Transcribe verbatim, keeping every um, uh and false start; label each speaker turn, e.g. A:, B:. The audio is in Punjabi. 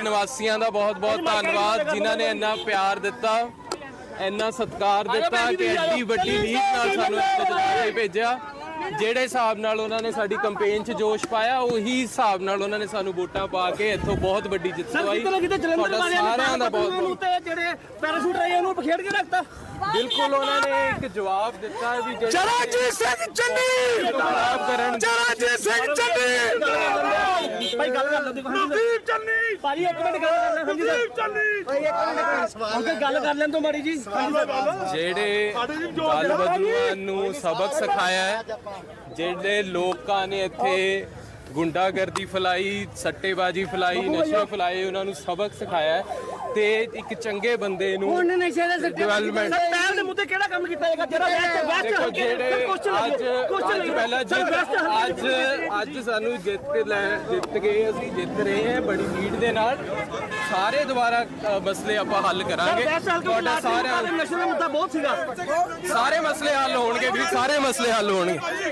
A: ਨਿਵਾਸੀਆਂ ਦਾ ਬਹੁਤ ਬਹੁਤ ਧੰਨਵਾਦ ਜਿਨ੍ਹਾਂ ਨੇ ਇੰਨਾ ਪਿਆਰ ਦਿੱਤਾ, ਇੰਨਾ ਸਤਿਕਾਰ ਦਿੱਤਾ ਕਿ ਐਡੀ ਵੱਡੀ ਲੀਡ ਨਾਲ ਸਾਨੂੰ ਇੱਥੇ ਭੇਜਿਆ। ਜਿਹੜੇ ਹਿਸਾਬ ਨਾਲ ਉਹਨਾਂ ਨੇ ਸਾਡੀ ਕੰਪੇਨ 'ਚ ਜੋਸ਼ ਪਾਇਆ, ਉਹੀ ਹਿਸਾਬ ਨਾਲ ਉਹਨਾਂ ਨੇ ਸਾਨੂੰ ਵੋਟਾਂ ਪਾ ਕੇ ਇੱਥੋਂ ਬਹੁਤ ਵੱਡੀ ਜਿੱਤ ਦਵਾਈ। ਤੁਹਾਡਾ ਸਾਰਿਆਂ ਦਾ ਬਹੁਤ ਬਹੁਤ
B: ਜਿਹੜੇ ਪੈਰਾਸ਼ੂਟ ਰਹੇ ਉਹਨੂੰ ਪਖੇੜ ਕੇ ਰੱਖਤਾ।
A: ਬਿਲਕੁਲ ਉਹਨਾਂ ਨੇ ਇੱਕ ਜਵਾਬ ਦਿੱਤਾ ਵੀ
B: ਚਰਨਜੀਤ ਸਿੰਘ ਚੰਨੀ
A: ਜਵਾਬ ਕਰਨ
B: ਚਰਨਜੀਤ ਸਿੰਘ ਚੰਨੀ ਭਾਈ ਗੱਲ ਕਰ ਲਓ ਨਵਦੀਪ ਚੰਨੀ ਭਾਈ ਇੱਕ ਮਿੰਟ ਗੱਲ ਕਰ ਲੈ ਨਵਦੀਪ ਚੰਨੀ ਭਾਈ ਇੱਕ ਮਿੰਟ ਸਵਾਲ ਗੱਲ ਕਰ ਲੈਣ ਤੋਂ ਮਾੜੀ ਜੀ।
A: ਜਿਹੜੇ ਦਲ ਬਦਲੂਆਂ ਨੂੰ ਸਬਕ ਸਿਖਾਇਆ ਹੈ, ਜਿਹੜੇ ਲੋਕਾਂ ਨੇ ਇੱਥੇ ਗੁੰਡਾਗਰਦੀ ਫੈਲਾਈ, ਸੱਟੇਬਾਜ਼ੀ ਫੈਲਾਈ, ਨਸ਼ੇ ਫੈਲਾਏ, ਉਹਨਾਂ ਨੂੰ ਸਬਕ ਸਿਖਾਇਆ ਤੇ ਇੱਕ ਚੰਗੇ ਬੰਦੇ ਨੂੰ ਡਿਵੈਲਪਮੈਂਟ
B: ਪਹਿਲ ਦੇ ਮੁੱਦੇ ਕਿਹੜਾ ਕੰਮ ਕੀਤਾ ਜਾਏਗਾ ਜਿਹੜਾ ਵੈਸਟ ਵੈਸਟ
A: ਦੇਖੋ ਜਿਹੜੇ ਅੱਜ ਅੱਜ ਪਹਿਲਾਂ ਜਿੱਤ ਅੱਜ ਅੱਜ ਸਾਨੂੰ ਜਿੱਤ ਲੈ ਜਿੱਤ ਗਏ, ਅਸੀਂ ਜਿੱਤ ਰਹੇ ਹਾਂ ਬੜੀ ਲੀਡ ਦੇ ਨਾਲ। ਸਾਰੇ ਦੁਬਾਰਾ ਮਸਲੇ ਆਪਾਂ ਹੱਲ ਕਰਾਂਗੇ। ਤੁਹਾਡਾ ਸਾਰਿਆਂ
B: ਨਸ਼ੇ ਦਾ ਮੁੱਦਾ ਬਹੁਤ ਸੀਗਾ,
A: ਸਾਰੇ ਮਸਲੇ ਹੱਲ ਹੋਣਗੇ ਵੀ ਸਾਰੇ ਮਸਲੇ ਹੱਲ ਹੋਣਗੇ।